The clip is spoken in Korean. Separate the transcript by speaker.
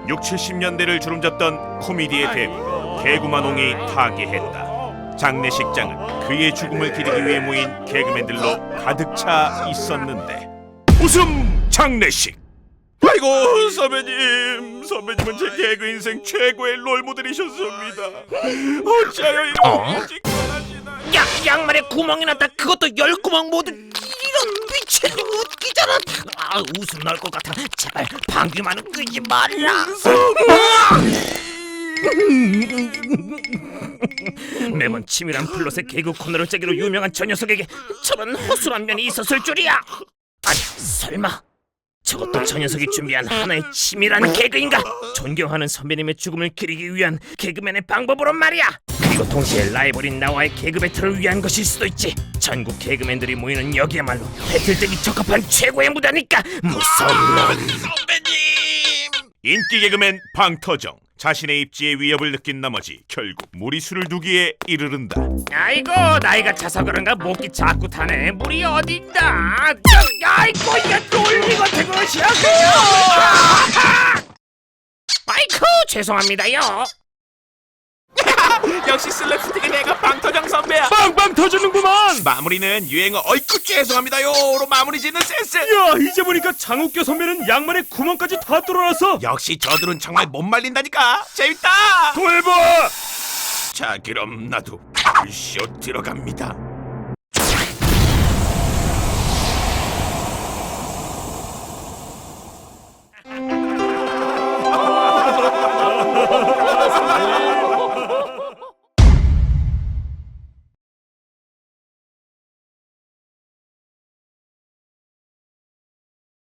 Speaker 1: 60, 70년대를 주름잡던 코미디의 대부 개구만홍이 타계했다. 장례식장은 그의 죽음을 기리기 위해 모인 개그맨들로 가득 차 있었는데 웃음 장례식. 아이고 선배님은 제 개그 인생 최고의 롤모델이셨습니다. 어찌하여 이런 일찍 떠나시나.
Speaker 2: 양말에 구멍이 났다. 그것도 10구멍 모두. 이런 미친 웃기잖아. 웃음 나올 것 같아. 제발 방귀만은 끄지 말라. 매번 치밀한 플롯의 개그 코너를 짜기로 유명한 저 녀석에게 저런 허술한 면이 있었을 줄이야. 아니 설마 저것도 저 녀석이 준비한 하나의 치밀한 개그인가? 존경하는 선배님의 죽음을 기리기 위한 개그맨의 방법으로 말이야. 그리고 동시에 라이벌인 나와의 개그 배틀을 위한 것일 수도 있지. 전국 개그맨들이 모이는 여기야말로 배틀되기 적합한 최고의 무대니까 무서운 놈.
Speaker 1: 선배님! 인기 개그맨 방터정 자신의 입지에 위협을 느낀 나머지 결국 무리수를 두기에 이르른다.
Speaker 2: 아이고 나이가 차서 그런가 목이 자꾸 타네. 물이 어딘다. 아이고 이게 놀리고 되고 것이야. 아이고 죄송합니다요.
Speaker 1: 역시 슬랩스틱의 내가 방터정 선배야.
Speaker 3: 빵빵 터지는구만.
Speaker 1: 마무리는 유행어 어이쿠 죄송합니다요로 마무리 짓는 센스.
Speaker 3: 야 이제 보니까 장욱교 선배는 양말에 구멍까지 다 뚫어놨어.
Speaker 1: 역시 저들은 정말 못 말린다니까. 재밌다.
Speaker 3: 통해봐.
Speaker 1: 자 그럼 나도 쇼 들어갑니다.